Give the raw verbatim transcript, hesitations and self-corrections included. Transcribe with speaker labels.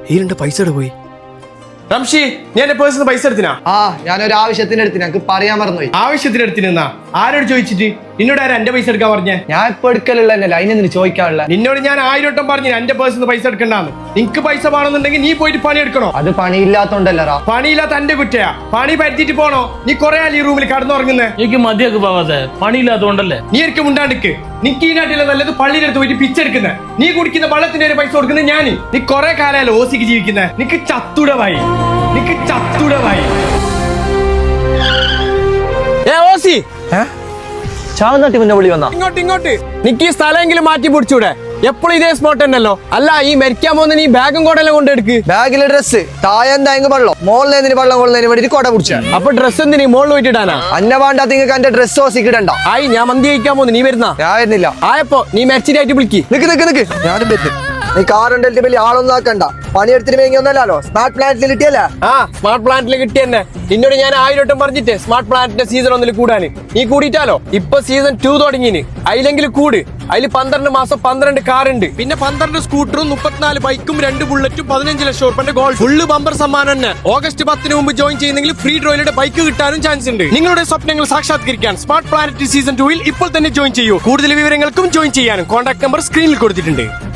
Speaker 1: ഈ രണ്ട് പൈസ പോയി. റംഷി, നീ എന്റെ പേഴ്സിന് പൈസ എടുത്തിനാ?
Speaker 2: ആ, ഞാനൊരു ആവശ്യത്തിന് എടുത്തിന്, എനിക്ക് പറയാൻ മറന്നുപോയി.
Speaker 1: ആവശ്യത്തിന് എടുത്തിനാ? ആരോട് ചോദിച്ചിട്ട്? നിന്നോട് ആരാ എന്റെ പൈസ എടുക്കാൻ പറഞ്ഞേ?
Speaker 2: ഞാൻ ഇപ്പൊ എടുക്കലുള്ളതല്ലേ, അതിനെന്തിന് ചോദിക്കാനുള്ള?
Speaker 1: നിന്നോട് ഞാൻ ആയിരം വട്ടം പറഞ്ഞു എന്റെ പേഴ്സിന് പൈസ എടുക്കണ്ടാന്ന്. നിനക്ക് പൈസ വേണമെന്നുണ്ടെങ്കിൽ നീ പോയിട്ട് പണി എടുക്കണോ?
Speaker 2: അത് പണിയില്ലാത്തോണ്ടല്ലറാ.
Speaker 1: പണിയില്ലാത്ത എന്റെ കുറ്റയാ. പണി പറ്റിട്ട് പോണോ? നീ കൊറേ ആൾ ഈ റൂമിൽ കടന്നുറങ്ങുന്നേ.
Speaker 3: എനിക്ക് മതിയാക്ക് പോവാതെ, പണിയില്ലാത്തോണ്ടല്ലേ.
Speaker 1: നീ എനിക്ക് മുണ്ടാണ്ടിക്ക്. നിക്ക് ഈ നാട്ടിലെ നല്ലത് പള്ളിയുടെ അടുത്ത് പോയിട്ട് പിച്ചെടുക്കുന്നേ. നീ കുടിക്കുന്ന വെള്ളത്തിന്റെ ഒരു പൈസ കൊടുക്കുന്നത് ഞാൻ. നീ കൊറേ കാലമല്ലോ ഓസിക്ക് ജീവിക്കുന്നേ. നിക്ക് ചത്തുടവായി, നിക്ക് ചത്തുടവായി. ഏ ഓസി,
Speaker 2: ചാവന്നാട്ടി മുന്നേ വിളി വന്നാ?
Speaker 1: ഇങ്ങോട്ട് ഇങ്ങോട്ട്. നിക്ക് ഈ സ്ഥലമെങ്കിലും മാറ്റി പിടിച്ചൂടെ? എപ്പോഴും ഇതേ സ്പോട്ട് തന്നെയല്ലോ. അല്ല, ഈ മരിക്കാൻ പോകുന്ന നീ ബാഗും കോടെല്ലാം കൊണ്ടെടുക്ക്.
Speaker 2: ബാഗിലെ ഡ്രസ് തായെന്തായെങ്കിൽ വെള്ളം മോളിൽ വെള്ളം കൊള്ളുന്നതിന് വേണ്ടി കൊട പിടിച്ച.
Speaker 1: അപ്പൊ ഡ്രസ് എന്തിനീ മോളിൽ പോയിട്ടിടാനാ?
Speaker 2: അന്ന വേണ്ട നിങ്ങൾക്ക് എന്റെ ഡ്രസ് ഓസിക്കിടണ്ട.
Speaker 1: ആയി, ഞാൻ മന്തി കഴിക്കാൻ പോകുന്നു. നീ വരുന്ന?
Speaker 2: ഞാൻ വരുന്നില്ല.
Speaker 1: ആയപ്പോ നീ മരിച്ചിട്ടായിട്ട് വിളിക്ക്.
Speaker 2: നിക്ക് നിക്ക് നിക്ക്, ഞാനും വരുന്നു. നീ കാറുണ്ടല്ലേ വലിയ ആളൊന്നും ആക്കണ്ട. പണിയെടുത്തിന് വേങ്ങി ഒന്നല്ലോ, സ്മാർട്ട് പ്ലാന്റിൽ കിട്ടിയല്ലേ?
Speaker 1: ആ, സ്മാർട്ട് പ്ലാന്റിൽ കിട്ടി തന്നെ. നിന്നോട് ഞാൻ ആയിരം വട്ടം പറഞ്ഞിട്ട് സ്മാർട്ട് പ്ലാന്റിന്റെ സീസൺ ഒന്നിൽ കൂടാന്. നീ കൂടിയിട്ടാലോ? ഇപ്പൊ സീസൺ ടു തുടങ്ങിന്. അതിലെങ്കിലും കൂട്. അതിൽ പന്ത്രണ്ട് മാസം പന്ത്രണ്ട് കാറുണ്ട്, പിന്നെ പന്ത്രണ്ട് സ്കൂട്ടറും മുപ്പത്തിനാല് ബൈക്കും രണ്ട് ബുള്ളറ്റും പതിനഞ്ച് ലക്ഷം ഉറുപ്പിന്റെ ഗോൾഡ് ഫുള്ള് ബമ്പർ സമ്മാനം തന്നെ. ഓഗസ്റ്റ് പത്തിന് മുമ്പ് ജോയിൻ ചെയ്യുന്നെങ്കിൽ ഫ്രീ ഡ്രോയിലൂടെ ബൈക്ക് കിട്ടാനും ചാൻസ് ഉണ്ട്. നിങ്ങളുടെ സ്വപ്നങ്ങൾ സാക്ഷാത്കരിക്കാൻ സ്മാർട്ട് പ്ലാനറ്റ് സീസൺ ടൂവിൽ ഇപ്പോൾ തന്നെ ജോയിൻ ചെയ്യൂ. കൂടുതൽ വിവരങ്ങൾക്കും ജോയിൻ ചെയ്യാനും കോൺടാക്ട് നമ്പർ സ്ക്രീനിൽ കൊടുത്തിട്ടുണ്ട്.